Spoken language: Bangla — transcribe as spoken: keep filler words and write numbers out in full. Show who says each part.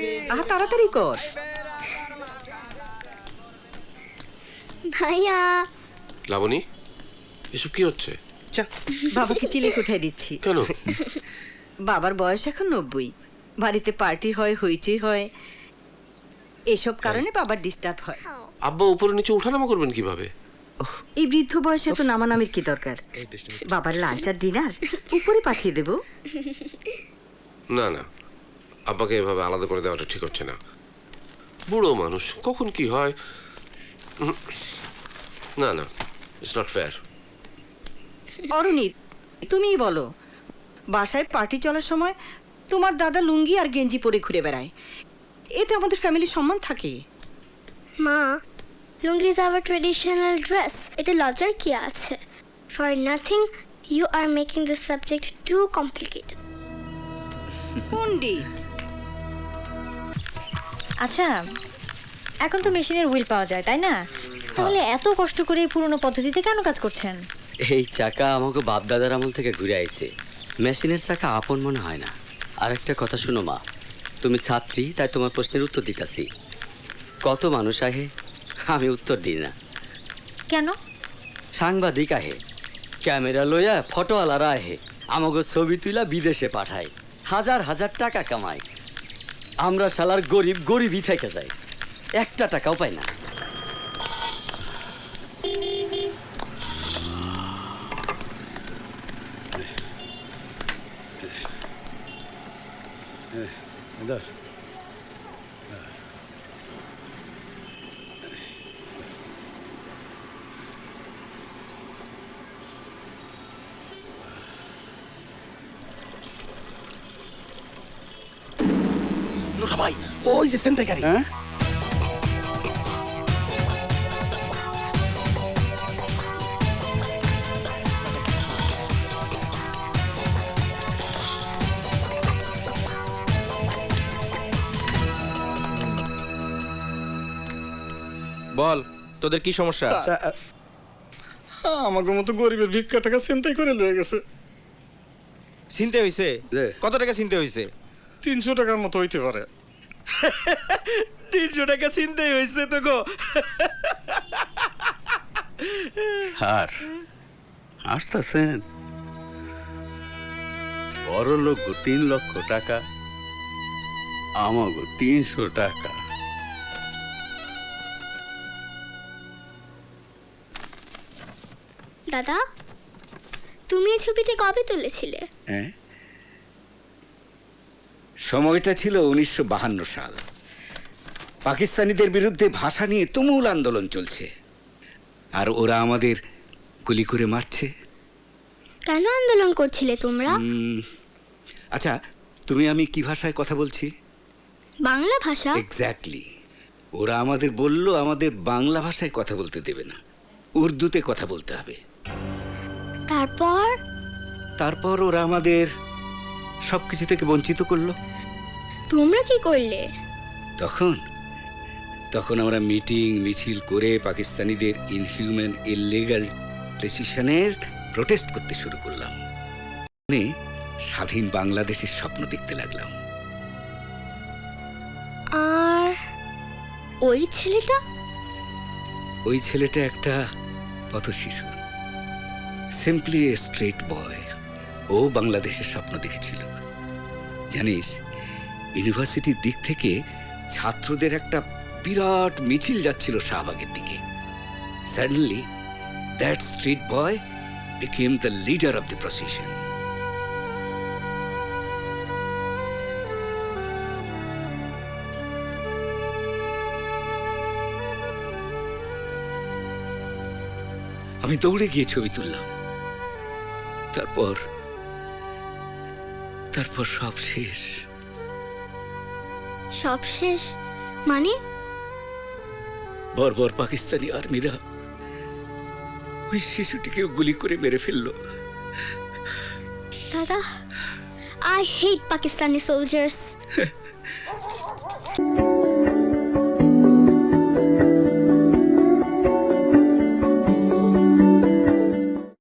Speaker 1: আহা তাড়াতাড়ি কর।
Speaker 2: ভাইয়া
Speaker 3: লাবণী, এসব কি হচ্ছে?
Speaker 1: বাবাকে চিলেক উঠাই দিচ্ছি।
Speaker 3: কেন?
Speaker 1: বাবার বয়স এখন নব্বই, বাড়িতে পার্টি হয়, হইচই হয়, এসব কারণে বাবার ডিস্টার্ব হয়।
Speaker 3: আব্বা উপরে নিচে উঠানামা করবেন কিভাবে?
Speaker 1: এই বৃদ্ধ বয়সে এত নামানামির কি দরকার? বাবার লাঞ্চ আর ডিনার উপরে পাঠিয়ে দেব।
Speaker 3: না না, আব্বাকে এভাবে আলাদা করে দেওয়াটা ঠিক হচ্ছে না। বুড়ো মানুষ, কখন কি হয়। উম, না না, ইটস নট ফেয়ার।
Speaker 1: অরুণী, তুমিই বলো, বাসায় পার্টি চলার সময় তোমার দাদা লুঙ্গি আর গেঞ্জি পরে ঘুরে বেড়ায়, এতে আমাদের ফ্যামিলির সম্মান থাকে।
Speaker 2: মা, lungi is our traditional dress, এতে লজ্জার কি আছে? For nothing you are making this subject too complicated.
Speaker 1: Pandit,
Speaker 4: আচ্ছা, এখন তো মেশিনের হুইল পাওয়া যায়, তাই না? তাহলে এত কষ্ট করে এই পুরনো পদ্ধতিতে কেন কাজ করছেন?
Speaker 5: এই চাকা আমাকে বাপ দাদার আমল থেকে ঘুরে আইছে, মেশিনের চাকা আপন মনে হয় না। আর একটা কথা শুনো মা, তুমি ছাত্রী, তাই তোমার প্রশ্নের উত্তর দিতেছি। কত মানুষ আহে, আমি উত্তর দিই না।
Speaker 4: কেন?
Speaker 5: সাংবাদিক আহে, ক্যামেরা লইয়া ফটোওয়ালারা আহে, আমাকে ছবি তুলা বিদেশে পাঠায়, হাজার হাজার টাকা কামায়। আমরা শালার গরিব গরিবই থেকে যাই, একটা টাকাও পাই না।
Speaker 6: ভাই, ওই যে সেন্টার গাড়ি।
Speaker 5: হ্যাঁ,
Speaker 6: বল, তোদের কি সমস্যা?
Speaker 7: আমাকে মতো গরিবের ভিক্ষা টাকা চিন্তাই করে লয়ে গেছে।
Speaker 6: চিনতে হইছে? কত টাকা চিনতে হইছে?
Speaker 7: তিনশো টাকার মতো হইতে পারে।
Speaker 6: তিনশো টাকা চিনতেই হইছে তো গো।
Speaker 8: আর আসতেছেন বড় লোক তিন লক্ষ টাকা, আমাগো তিনশো টাকা।
Speaker 2: দাদা, তুমি এই ছবিটা কবে তুলেছিলে?
Speaker 8: হ্যাঁ, সময়টা ছিল উনিশশো বাহান্ন সাল। পাকিস্তানিদের বিরুদ্ধে ভাষা নিয়ে তুমুল আন্দোলন চলছে, আর ওরা আমাদের গুলি করে মারছে।
Speaker 2: কেন আন্দোলন করছিলে তোমরা?
Speaker 8: উম, আচ্ছা, তুমি আমি কি ভাষায় কথা বলছি?
Speaker 2: বাংলা ভাষা।
Speaker 8: এক্স্যাক্টলি। ওরা আমাদের বলল আমাদের বাংলা ভাষায় কথা বলতে দেবে না, উর্দুতে কথা বলতে হবে।
Speaker 2: তারপর?
Speaker 8: তারপর ওরা আমাদের সবকিছু থেকে বঞ্চিত করলো।
Speaker 2: তোমরা কি করলে?
Speaker 8: তখন তখন আমরা মিটিং মিছিল করে পাকিস্তানিদের ইনহিউম্যান ইললিগ্যাল ডিসিশনের প্রোটেস্ট করতে শুরু করলাম। মানে স্বাধীন বাংলাদেশের স্বপ্ন দেখতে লাগলাম।
Speaker 2: আর ওই ছেলেটা?
Speaker 8: ওই ছেলেটা একটা পথ শিশু, সিম্পলি এ স্ট্রেট বয়। ও বাংলাদেশের স্বপ্ন দেখেছিল। জানিস, ইউনিভার্সিটির দিক থেকে ছাত্রদের একটা বিরাট মিছিল যাচ্ছিল শাহবাগের দিকে। Suddenly that street boy became the leader of the procession. আমি দৌড়ে গিয়ে ছবি তুললাম। তারপর তারপর সব শেষ।
Speaker 2: সব শেষ মানে?
Speaker 8: বর্বর পাকিস্তানি আর্মিরা ওই শিশুটিকে গুলি করে মেরে ফেললো।
Speaker 2: দাদা, I hate Pakistani soldiers.